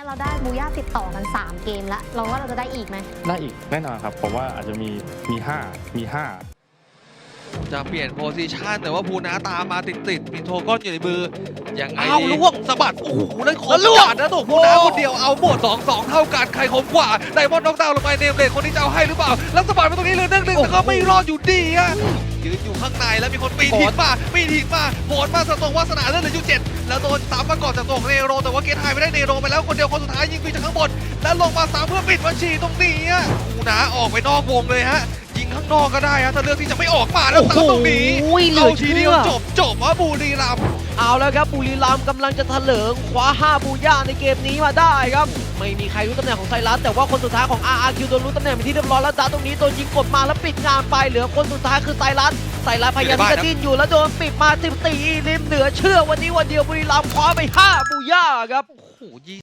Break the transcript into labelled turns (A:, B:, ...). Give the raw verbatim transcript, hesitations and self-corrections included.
A: เราได้บูย่าติดต่อกันสามเกมแล้วเราว่าเราจะได้อีกไหม
B: ได้อีกแน่นอนครับผมว่าอาจจะมีมีห้ามีห้า
C: จะเปลี่ยนโพซิชันแต่ว่าภูนาตามมาติดติดมีโทก้อนอยู่ในมือยังไง
D: เอาล่วง
C: สะบัดโอ้โหได้คม
D: แล้วล่วง
C: จัดนะตัวภูนาคนเดียวเอาหมดสองสองเท่ากันใครคมกว่าไดมอนด์น็อกดาวน์ลงไปเนมเลนคนนี้จะเอาให้หรือเปล่าแล้วสะบัดไปตรงนี้เลยหนึ่งหนึ่งแต่ก็ไม่รอดอยู่ดีอะยืนอยู่ข้างในแล้วมีคนปีนหินมาปีนหินมาโหนมาสตรงวาสนาเลือดเหลืออยู่เจ็ดแล้วโดนตามมาก่อนจากตัวของเนโรแต่ว่าเกตไฮไม่ได้เนโรไปแล้วคนเดียวคนสุดท้ายยิงปีจากข้างบนแล้วลงมาสามเพื่อปิดบัญชีตรงนี้อะภูนาออกไปนอกวงเลยฮะยิงข้างนอกก็ได้ฮะถ้าเลือกที่จะไม่ออกมาแล้วตามตรงนี้
D: โอ้โหเหลื
C: เอา
D: อ
C: ที
D: เชื่
C: เดียว
D: อ
C: จบจบว่าบุรีรัมย์
D: เอาแล้วครับบุรีรัมย์กำลังจะเถลิงคว้าห้าบูย่าในเกมนี้มาได้ครับไม่มีใครรู้ตำแหน่งของไซรัสแต่ว่าคนสุดท้ายของ อาร์ อาร์ คิว โดนรู้ตำแหน่งเป็นที่เรียบร้อยแล้วจ้าตรงนี้โดนยิงกดมาแล้วปิดงานไปเหลือคนสุดท้ายคือไซรัสไซรัสพยายามที่จะดิ้นอยู่แล้วโดนปิดมาสิบสี่ริมเหนือเชื่อวันนี้วันเดียวบุรีรัมย์คว้าไปห้าบูย่าครับ
C: โอ้โห